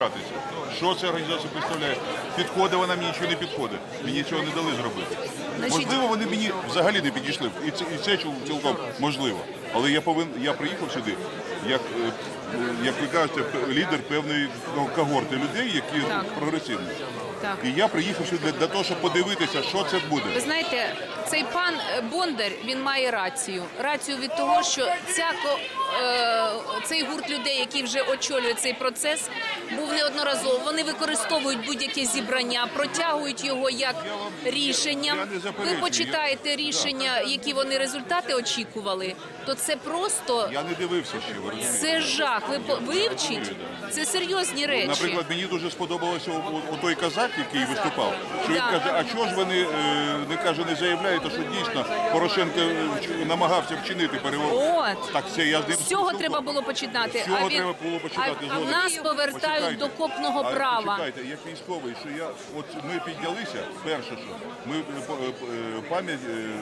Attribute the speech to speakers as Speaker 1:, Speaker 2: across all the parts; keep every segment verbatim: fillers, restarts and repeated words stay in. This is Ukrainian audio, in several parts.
Speaker 1: Що ця організація представляє? Підходить вона мені чи не підходить? Мені цього не дали зробити.
Speaker 2: Значить...
Speaker 1: Можливо, вони мені взагалі не підійшли. І це, і це цілком можливо. Але я повин, я приїхав сюди, як, як ви кажете, лідер певної когорти людей, які
Speaker 2: так.
Speaker 1: прогресивні.
Speaker 2: Так.
Speaker 1: І я приїхав сюди для того, щоб подивитися, що це буде.
Speaker 2: Ви знаєте, цей пан Бондар, він має рацію. Рацію від того, що ця, е, цей гурт людей, який вже очолює цей процес, був неодноразово. Вони використовують будь-яке зібрання, протягують його як рішенням. Ви почитаєте рішення, які вони результати очікували, то це просто...
Speaker 1: Я не дивився ще, ви розумієте?
Speaker 2: Це жах. Ви вивчіть. Це серйозні речі.
Speaker 1: Наприклад, мені дуже сподобалося у, у той казак, який виступав, що він каже, а чого ж вони не каже, не заявляють, що дійсно Порошенко намагався вчинити переворот.
Speaker 2: От.
Speaker 1: Так це я
Speaker 2: з цього треба було починати.
Speaker 1: З цього
Speaker 2: а він...
Speaker 1: треба було починати.
Speaker 2: А, а в нас повертають
Speaker 1: почекайте.
Speaker 2: до копного
Speaker 1: а,
Speaker 2: права.
Speaker 1: Почекайте, як військовий, що я, от ми піднялися, перше, що ми пам'ять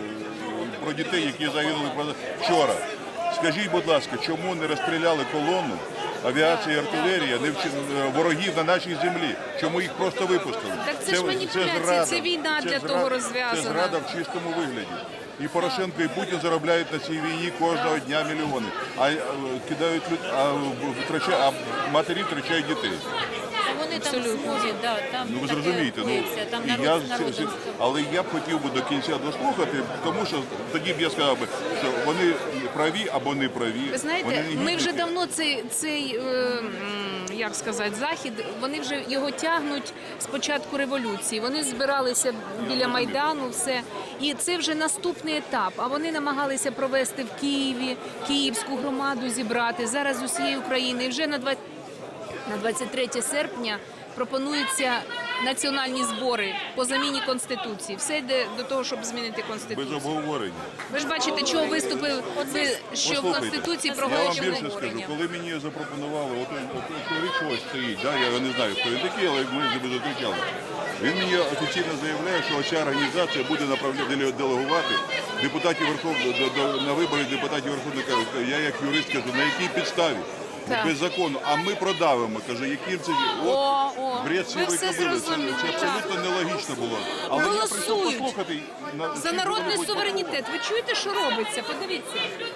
Speaker 1: про дітей, які загинули вчора. Скажіть, будь ласка, чому не розстріляли колону? Авіація і артилерія не вчи... ворогів на нашій землі. Чому їх просто випустили?
Speaker 2: Так це, це ж маніпуляція, це, це війна
Speaker 1: це
Speaker 2: для
Speaker 1: зрада,
Speaker 2: того розв'язана.
Speaker 1: Це зрада в чистому вигляді. І Порошенко, і Путін заробляють на цій війні кожного дня мільйони. А кидають а, втрачають, а матері втрачають дітей.
Speaker 3: Вони там сходять, да, там
Speaker 1: ну ви
Speaker 3: таке
Speaker 1: зрозумієте, ну
Speaker 3: там
Speaker 1: і
Speaker 3: народ,
Speaker 1: я
Speaker 3: народ,
Speaker 1: але я б хотів би до кінця дослухати, тому що тоді б я сказав би, що вони праві або не праві.
Speaker 2: Ви знаєте, ми вже давно цей цей е, як сказати, захід, вони вже його тягнуть з початку революції. Вони збиралися біля Майдану, все, і це вже наступний етап. А вони намагалися провести в Києві київську громаду, зібрати зараз з усієї України. І вже на двадцять На двадцять третє серпня пропонуються національні збори по заміні Конституції. Все йде до того, щоб змінити Конституцію.
Speaker 1: Без обговорення.
Speaker 2: Ви ж бачите, чого виступив, що в Конституції проголошено
Speaker 1: Я вам більше скажу, коли мені запропонували, от чоловік ось стоїть, да, я не знаю, хто він такий, але ми з ним зустрічали. Він мені офіційно заявляє, що ця організація буде направляти, делегувати депутатів Верховної, на вибори депутатів Верховної Ради. Я як юрист кажу, на якій підставі?
Speaker 2: Так.
Speaker 1: Без закону, а ми продавимо, каже, яким це
Speaker 2: о, о,
Speaker 1: бред
Speaker 2: ви все
Speaker 1: це,
Speaker 2: зрозуміли.
Speaker 1: це абсолютно нелогічно було. Але я прийшов послухати на
Speaker 2: за народний суверенітет. Ви чуєте, що робиться? Подивіться.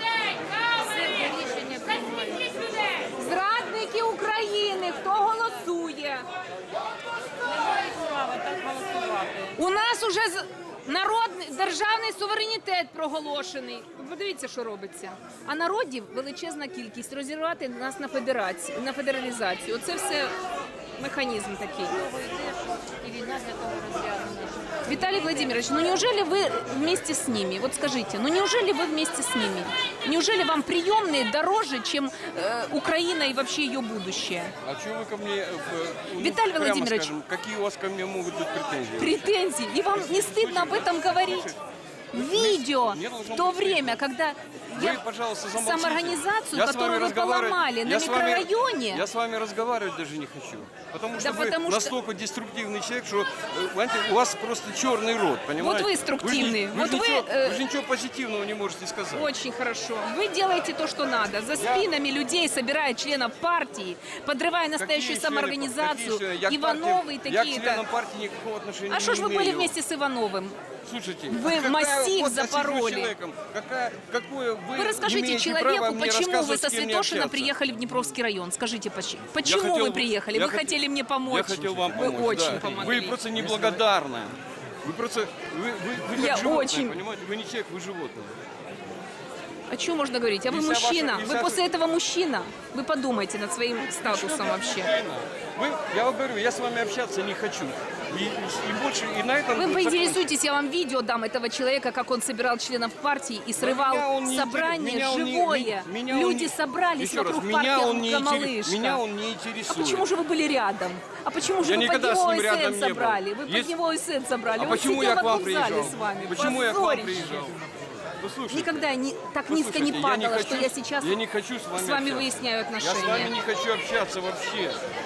Speaker 2: Зрадники України, хто голосує? У нас уже народний державний суверенітет проголошений. Подивіться, що робиться. А народів величезна кількість. Розірвати нас на федерацію, на федералізацію. Оце все механізм такий. Виталий Владимирович, ну неужели вы вместе с ними? Вот скажите, ну неужели вы вместе с ними? Неужели вам приемные дороже, чем э, Украина и вообще ее будущее?
Speaker 4: А что вы ко мне, э, ну,
Speaker 2: Виталий
Speaker 4: прямо
Speaker 2: Владимирович,
Speaker 4: скажем, какие у вас ко мне могут быть претензии?
Speaker 2: Претензии. И вам не стыдно об этом говорить? Видео в то время, когда
Speaker 4: Вы,
Speaker 2: я
Speaker 4: пожалуйста, замолчите.
Speaker 2: самоорганизацию,
Speaker 4: Я с
Speaker 2: которую
Speaker 4: вами
Speaker 2: вы поломали на
Speaker 4: я с вами-
Speaker 2: микрорайоне,
Speaker 4: Я с вами разговаривать даже не хочу. Потому что
Speaker 2: Да
Speaker 4: вы
Speaker 2: потому что-
Speaker 4: настолько деструктивный человек, что э, знаете, у вас просто черный рот, понимаете?
Speaker 2: Вот вы структивный.
Speaker 4: Вы, же-
Speaker 2: Вот
Speaker 4: вы,
Speaker 2: вы,
Speaker 4: же ничего,
Speaker 2: э,
Speaker 4: вы же ничего позитивного не можете сказать.
Speaker 2: очень хорошо. Вы делаете то, что надо. За спинами людей собирая членов партии, подрывая настоящую
Speaker 4: Какие члены-
Speaker 2: самоорганизацию.
Speaker 4: какие члены? Я к
Speaker 2: Ивановы и
Speaker 4: партии- Я к
Speaker 2: такие-то.
Speaker 4: членам партии никакого отношения
Speaker 2: А что ж
Speaker 4: не
Speaker 2: вы были
Speaker 4: имею.
Speaker 2: вместе с Ивановым?
Speaker 4: Слушайте,
Speaker 2: Вы
Speaker 4: а какая-
Speaker 2: массив
Speaker 4: вот я сижу с
Speaker 2: запороли.
Speaker 4: человеком, какая, какое вы,
Speaker 2: Вы расскажите
Speaker 4: имеете
Speaker 2: человеку,
Speaker 4: право мне
Speaker 2: почему вы
Speaker 4: рассказывать,
Speaker 2: со
Speaker 4: с кем мне
Speaker 2: Святошина
Speaker 4: общаться?
Speaker 2: приехали в Днепровский район. Скажите, поч-
Speaker 4: Я
Speaker 2: почему
Speaker 4: хотел-
Speaker 2: вы приехали?
Speaker 4: я
Speaker 2: Вы
Speaker 4: хот-
Speaker 2: хотели мне помочь.
Speaker 4: Я хотел вам
Speaker 2: Вы
Speaker 4: помочь,
Speaker 2: очень
Speaker 4: да.
Speaker 2: помогли.
Speaker 4: Вы просто неблагодарны. Вы просто, вы, вы, вы
Speaker 2: Я
Speaker 4: как животное,
Speaker 2: очень.
Speaker 4: понимаете? Вы не человек, вы животное.
Speaker 2: О чем можно говорить? А вы
Speaker 4: И вся
Speaker 2: мужчина.
Speaker 4: ваша- и
Speaker 2: Вы
Speaker 4: вся-
Speaker 2: после этого мужчина. Вы подумайте над своим статусом вообще.
Speaker 4: Вы, я вам говорю, я с вами общаться не хочу. И, и больше, и на этом...
Speaker 2: Вы поинтересуйтесь, я вам видео дам этого человека, как он собирал членов партии и срывал
Speaker 4: Меня он не
Speaker 2: собрание
Speaker 4: интерес- меня он не-
Speaker 2: живое.
Speaker 4: меня он
Speaker 2: Люди
Speaker 4: не-
Speaker 2: собрались
Speaker 4: Еще раз,
Speaker 2: вокруг
Speaker 4: меня
Speaker 2: партии
Speaker 4: он не интерес-
Speaker 2: «Малышка».
Speaker 4: Меня он не
Speaker 2: А
Speaker 4: интересует.
Speaker 2: почему же вы были рядом? А почему же
Speaker 4: Я
Speaker 2: вы под
Speaker 4: никогда с
Speaker 2: него
Speaker 4: ним рядом
Speaker 2: ОСН
Speaker 4: не был.
Speaker 2: собрали? Вы под
Speaker 4: Есть-
Speaker 2: него ОСН собрали.
Speaker 4: А
Speaker 2: Он
Speaker 4: почему
Speaker 2: сидел
Speaker 4: я к
Speaker 2: в
Speaker 4: вам
Speaker 2: одном зале
Speaker 4: приезжал?
Speaker 2: с вами.
Speaker 4: Почему я к вам
Speaker 2: Позорище.
Speaker 4: приезжал? Послушайте,
Speaker 2: Никогда я не, так низко не
Speaker 4: послушайте, я
Speaker 2: падала,
Speaker 4: хочу,
Speaker 2: что я сейчас
Speaker 4: я не хочу с вами,
Speaker 2: с вами
Speaker 4: общаться.
Speaker 2: выясняю
Speaker 4: Я с
Speaker 2: отношения.
Speaker 4: вами не хочу общаться вообще.